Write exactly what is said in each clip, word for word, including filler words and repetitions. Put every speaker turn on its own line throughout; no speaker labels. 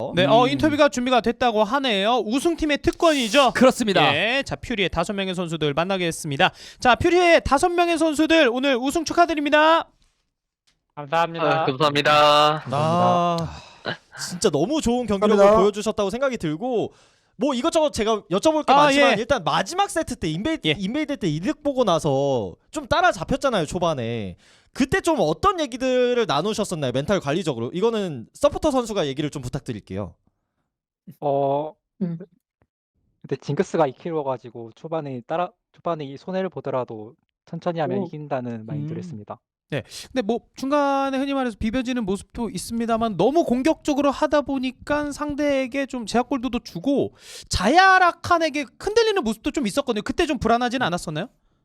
같아요.
네,
음.
어 인터뷰가 준비가 됐다고 하네요. 우승팀의 특권이죠.
그렇습니다.
예, 자 퓨리의 다섯 명의 선수들 만나겠습니다. 자 퓨리의 다섯 명의 선수들 오늘 우승 축하드립니다.
감사합니다.
아, 감사합니다.
아, 진짜 너무 좋은 경기력을
감사합니다.
보여주셨다고 생각이 들고 뭐 이것저것 제가 여쭤볼 게
아,
많지만
예.
일단 마지막 세트 때 인베이드,
예.
인베이드 때 이득 보고 나서 좀 따라잡혔잖아요 초반에. 그때 좀 어떤 얘기들을 나누셨었나요 멘탈 관리적으로? 이거는 서포터 선수가 얘기를 좀 부탁드릴게요.
어,
음.
근데 징크스가 이 킬로가지고 초반에 따라 초반에 이 손해를 보더라도 천천히 하면
오.
이긴다는 마인드를
음.
했습니다.
근데 뭐 중간에 흔히 말해서 비벼지는 모습도 있습니다만 너무 공격적으로 하다 보니까 상대에게 좀 제약골도도 주고 자야라칸에게 흔들리는 모습도 좀 있었거든요. 그때 좀 불안하지는 않았었나요?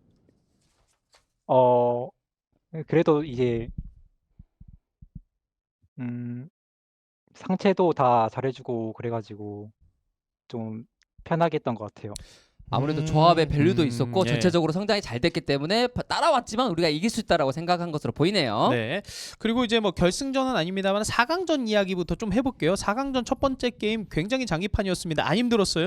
어, 그래도 이제 음, 상체도 다 잘해주고 그래가지고 좀 편하게 했던 것 같아요.
아무래도
음,
조합의 밸류도
음,
있었고
예.
전체적으로 상당히 잘 됐기 때문에 바- 따라왔지만 우리가 이길 수 있다라고 생각한 것으로 보이네요.
네. 그리고 이제 뭐 결승전은 아닙니다만 사 강전 이야기부터 좀 해볼게요. 사 강전 첫 번째 게임 굉장히 장기판이었습니다. 안 힘들었어요?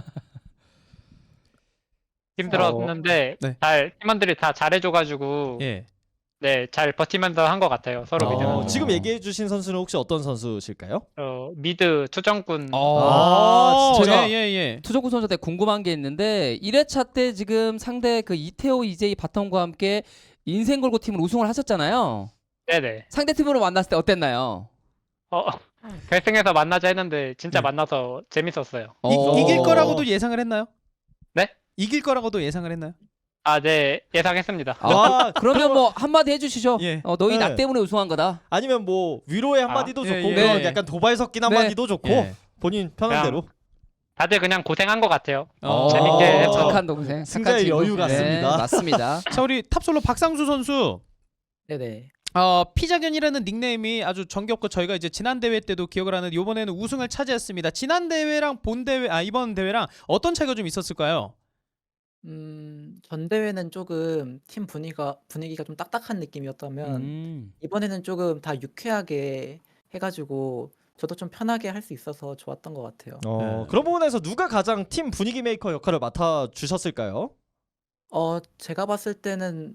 힘들었는데
네.
잘 팀원들이 다 잘해줘가지고
예.
네, 잘 버티면서 한 것 같아요. 서로
어.
믿으면서.
어, 지금 얘기해주신 선수는 혹시 어떤 선수실까요?
어, 미드 투정꾼.
어,
아,
제가
예, 예, 예.
투조구 선수한테 궁금한 게 있는데 일 회차 때 지금 상대 그 이태호 이제이 바텀과 함께 인생 걸고 팀을 우승을 하셨잖아요.
네네.
상대 팀으로 만났을 때 어땠나요?
어, 결승에서 만나자 했는데 진짜
네.
만나서 재밌었어요.
이,
어.
이길 거라고도 예상을 했나요?
네?
이길 거라고도 예상을 했나요?
아, 네, 예상했습니다.
아,
그러면 뭐 한마디 해주시죠.
예.
어, 너희
네.
나 때문에 우승한 거다.
아니면 뭐 위로의 한마디도
아,
좋고
예, 예.
그런
네.
약간 도발 섞인
네.
한마디도 좋고
예.
본인 편한
그냥
대로.
다들 그냥 고생한 것 같아요.
어.
재밌게 해서.
착한 동생. 착한
승자의
친구.
여유 같습니다.
네, 맞습니다.
자 우리 탑솔로 박상수 선수.
네네.
어, 피자견이라는 닉네임이 아주 정겹고 저희가 이제 지난 대회 때도 기억을 하는데 이번에는 우승을 차지했습니다. 지난 대회랑 본 대회 아 이번 대회랑 어떤 차이가 좀 있었을까요?
음, 전 대회는 조금 팀 분위기가 분위기가 좀 딱딱한 느낌이었다면
음.
이번에는 조금 다 유쾌하게 해가지고 저도 좀 편하게 할 수 있어서 좋았던 것 같아요.
어,
네.
그런 부분에서 누가 가장 팀 분위기 메이커 역할을 맡아 주셨을까요?
어, 제가 봤을 때는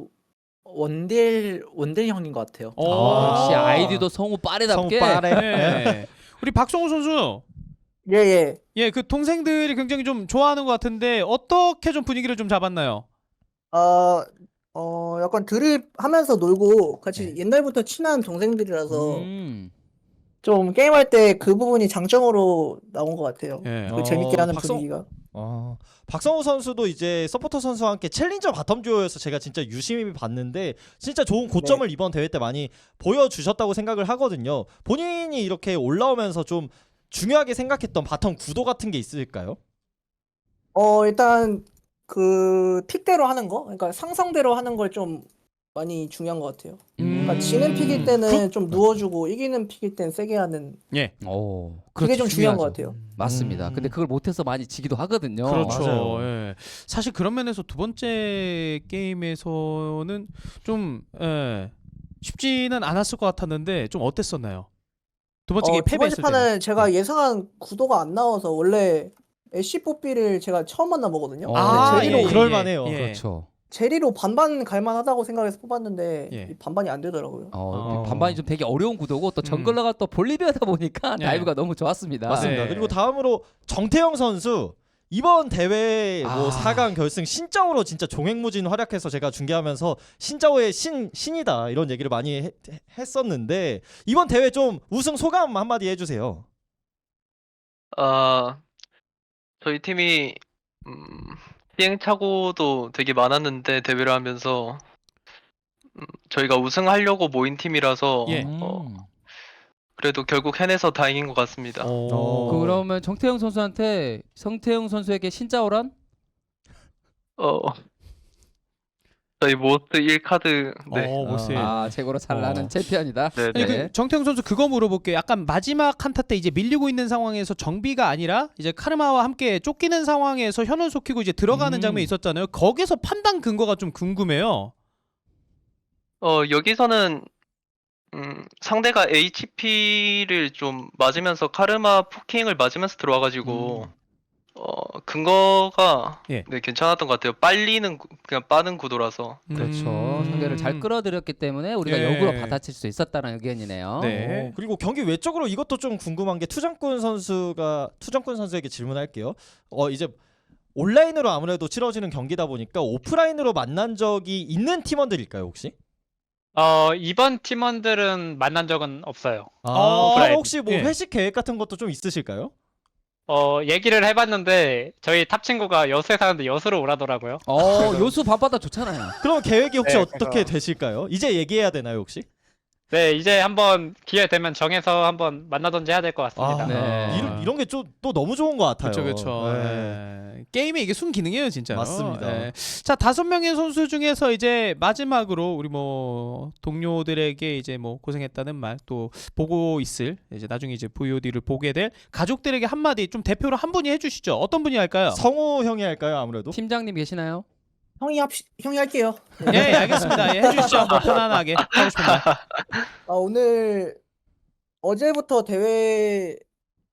원딜 원딜 형인 것 같아요.
어,
어, 역시
아.
아이디도 성우 빠르답게.
성우 빠르.
네. 우리 박성우 선수.
예, 예.
예, 그 동생들이 굉장히 좀 좋아하는 것 같은데 어떻게 좀 분위기를 좀 잡았나요?
어, 어, 약간 드립하면서 놀고 같이
네.
옛날부터 친한 동생들이라서
음.
좀 게임할 때 그 부분이 장점으로 나온 것 같아요.
예.
그 재밌게
어,
하는
박성-
분위기가.
어, 박성호 선수도 이제 서포터 선수와 함께 챌린저 바텀 듀오여서 제가 진짜 유심히 봤는데 진짜 좋은 고점을
네.
이번 대회 때 많이 보여주셨다고 생각을 하거든요. 본인이 이렇게 올라오면서 좀 중요하게 생각했던 바텀 구도 같은 게 있을까요?
어, 일단 그 픽대로 하는 거, 그러니까 상성대로 하는 걸 좀 많이 중요한 것 같아요. 그러니까
음.
지는 픽일 때는
그-
좀 누워주고 이기는 픽일 땐 세게 하는
예.
오,
그게
그렇죠,
좀 중요한 것
중요하죠.
같아요.
맞습니다.
음.
근데 그걸 못해서 많이 지기도 하거든요.
그렇죠.
맞아요.
예. 사실 그런 면에서 두 번째 게임에서는 좀 예, 쉽지는 않았을 것 같았는데 좀 어땠었나요? 두 번째
어,
게임
두 번째
패배했을 때.
판은 제가 예상한 구도가 안 나와서 원래 애쉬 뽀삐를 제가 처음 만나보거든요.
어.
근데
아,
제리로
예, 예,
그럴
예.
만해요.
예.
그렇죠.
제리로 반반 갈만하다고 생각해서 뽑았는데
예.
이 반반이 안 되더라고요.
어,
어.
반반이 좀 되게 어려운 구도고 또 정글러가 또 볼리비아다 보니까
예.
다이브가 너무 좋았습니다.
맞습니다.
네.
그리고 다음으로 정태영 선수 이번 대회 뭐
아.
사 강 결승 신짜오로 진짜 종횡무진 활약해서 제가 중계하면서 신짜오의 신 신이다 이런 얘기를 많이 해- 했었는데 이번 대회 좀 우승 소감 한마디 해주세요.
아, 저희 팀이 음, 시행착오도 되게 많았는데 대회를 하면서 음, 저희가 우승하려고 모인 팀이라서
예.
어,
음.
그래도 결국 해내서 다행인 것 같습니다.
어.
그러면 정태영 선수한테 성태영 선수에게 신짜오란?
어, 저희 모스 일 카드 네.
어, 모스.
아, 최고로 잘 나는
어.
챔피언이다.
네,
아니,
네.
그 정태영 선수 그거 물어볼게요. 약간 마지막 한타 때 이제 밀리고 있는 상황에서 정비가 아니라 이제 카르마와 함께 쫓기는 상황에서 현을 속히고 이제 들어가는
음.
장면이 있었잖아요. 거기서 판단 근거가 좀 궁금해요.
어, 여기서는 음, 상대가 에이치피를 좀 맞으면서 카르마 포킹을 맞으면서 들어와가지고
음.
어 근거가
예.
네 괜찮았던 것 같아요. 빨리는 구- 그냥 빠른 구도라서.
그렇죠.
음.
상대를 잘 끌어들였기 때문에 우리가
예.
역으로 받아칠 수 있었다는 의견이네요.
네.
어, 그리고 경기 외적으로 이것도 좀 궁금한 게 투정꾼 선수가 투정꾼 선수에게 질문할게요. 어 이제 온라인으로 아무래도 치러지는 경기다 보니까 오프라인으로 만난 적이 있는 팀원들일까요 혹시?
어, 이번 팀원들은 만난 적은 없어요.
아,
어,
그럼
오프라인.
혹시 뭐
예.
회식 계획 같은 것도 좀 있으실까요?
어, 얘기를 해봤는데 저희 탑 친구가 여수에 사는데 여수로 오라더라고요.
어, 요수 밤바다 좋잖아요.
그럼 계획이 혹시
네,
어떻게
그래서-
되실까요? 이제 얘기해야 되나요 혹시?
네, 이제 한번 기회 되면 정해서 한번 만나던지 해야 될 것 같습니다.
아,
네.
이런 이런 게 좀 또 너무 좋은 것 같아요.
그렇죠, 그렇죠.
네.
게임의 이게 순기능이에요, 진짜.
맞습니다.
자, 다섯 명의 선수 중에서 이제 마지막으로 우리 뭐 동료들에게 이제 뭐 고생했다는 말 또 보고 있을 이제 나중에 이제 브이오디를 보게 될 가족들에게 한마디 좀 대표로 한 분이 해주시죠. 어떤 분이 할까요?
성우 형이 할까요 아무래도?
팀장님 계시나요?
형이 합 형이 할게요.
예, 예, 알겠습니다. 예, 해주시죠. 뭐 편안하게 하고 싶은 말.
아, 오늘 어제부터 대회라서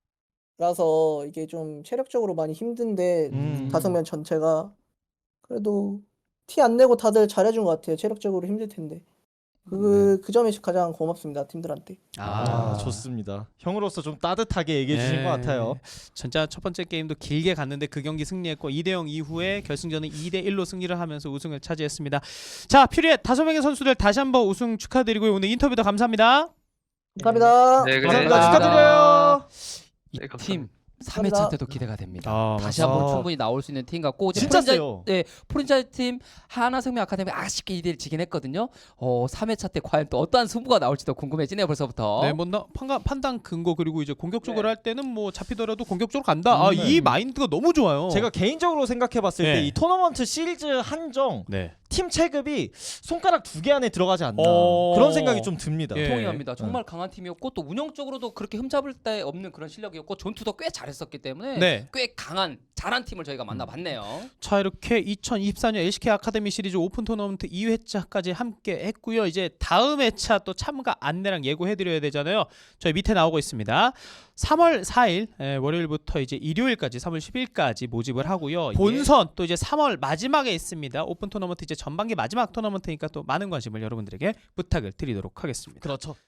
이게 좀 체력적으로 많이 힘든데
음.
다섯 명 전체가 그래도 티 안 내고 다들 잘해준 것 같아요. 체력적으로 힘들 텐데 그 그 점이 가장 고맙습니다 팀들한테.
아, 좋습니다. 형으로서 좀 따뜻하게 얘기해 주신
예.
것 같아요.
진짜 첫 번째 게임도 길게 갔는데 그 경기 승리했고 이 대 영 이후에 결승전은 이 대 일로 승리를 하면서 우승을 차지했습니다. 자, 퓨리엣 다섯 명의 선수들 다시 한번 우승 축하드리고요. 오늘 인터뷰도 감사합니다.
감사합니다.
네,
감사합니다.
네.
축하드려요.
이
네,
팀
감사합니다.
삼 회차
감사합니다.
때도 기대가 됩니다.
아,
다시
맞습니다.
한번 충분히 나올 수 있는 팀 같고 이제
진짜
프랜차이-
세요.
네, 프랜차이즈 팀 하나생명 아카데미 아쉽게 이 대 일 지긴 했거든요. 어, 삼 회차 때 과연 또 어떠한 승부가 나올지도 궁금해지네요. 벌써부터.
네, 뭐 나, 판가, 판단 근거 그리고 이제 공격적으로
네.
할 때는 뭐 잡히더라도 공격적으로 간다. 아,
음,
이
네.
마인드가 너무 좋아요.
제가 개인적으로 생각해봤을
네.
때 이 토너먼트 시리즈 한정
네.
팀 체급이 손가락 두 개 안에 들어가지 않나
어.
그런 생각이 좀 듭니다.
예.
동의합니다. 정말 강한 팀이었고 또 운영적으로도 그렇게 흠잡을 데 없는 그런 실력이었고 전투도 꽤 잘했었기 때문에
네.
꽤 강한 잘한 팀을 저희가 만나봤네요.
자, 이렇게 이천이십사 년 엘씨케이 아카데미 시리즈 오픈 토너먼트 이 회차까지 함께 했고요. 이제 다음 회차 또 참가 안내랑 예고해드려야 되잖아요. 저희 밑에 나오고 있습니다. 삼월 사일 에, 월요일부터 이제 일요일까지 삼월 십일까지 모집을 하고요. 본선 또 이제 삼월 마지막에 있습니다. 오픈 토너먼트 이제 전반기 마지막 토너먼트니까 또 많은 관심을 여러분들에게 부탁을 드리도록 하겠습니다.
그렇죠.